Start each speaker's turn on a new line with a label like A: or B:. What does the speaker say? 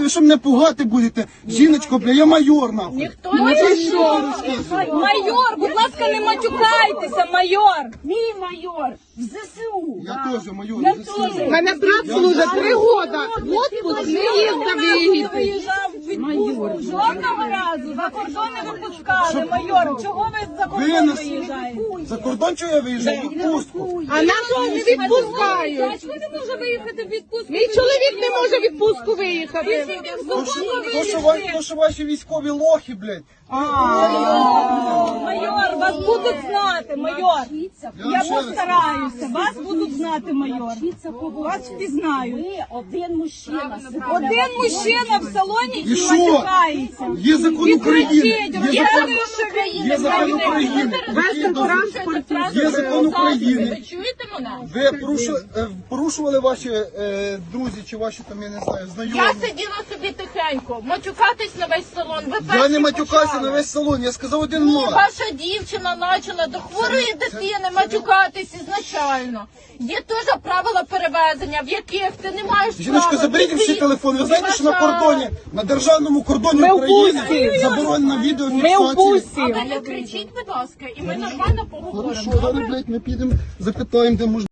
A: ви що мене пугати будете? Жіночко, бля, я майор, нахуй.
B: Ніхто не
C: Майор, будь ласка, не матюкайтеся, майор.
B: Мій майор в ЗСУ.
A: Я теж майор.
C: Я теж.
D: Мене брат служить 3 роки. Отпуск не їздив виїхати.
C: Виїжджав в відпустку. Жодного разу за кордон не випускали, майор. Чого ви за кордон виїжджаєте?
A: За кордон чого я виїжджав? В відпустку.
D: А нас не відпускають.
C: Чого не може виїхати в відпустку?
D: Мій чоловік не може в відпустку виїхати.
A: То, що ваші військові лохи, блядь.
C: Майор, вас будуть знати, майор. Я постараюся, вас будуть знати, майор. Вас впізнають.
B: Ви один мужчина.
C: Один мужчина в салоні
A: І
C: і
A: що?
C: матюкається.
A: Є закон України. Є закон України.
D: Весь транспорт.
A: Є закон України.
B: Ви чуєте мене?
A: Ви порушували ваші друзі чи ваші там, я не знаю, знайомі?
B: Я сиділа собі тихенько, матюкатись на весь салон. Ви
A: Я
B: перші
A: не матюкався
B: почали.
A: на весь салон, я сказав один мат.
B: Ваша дівчина почала до хворої дитини матюкатись ізначально. Є теж правила перевезення, в яких ти не маєш
A: Жіночко,
B: права.
A: заберіть всі телефони. Ви знаєте, що на кордоні, на державному кордоні
D: Ми в
A: України
D: пустці.
A: заборонена
D: Ми в
A: відеофіксація.
B: А
D: пустці.
B: ви не кричіть, будь ласка, і ми нормально поговоримо.
A: Хорошо, зараз, блядь, ми підемо, запитаємо, де можна.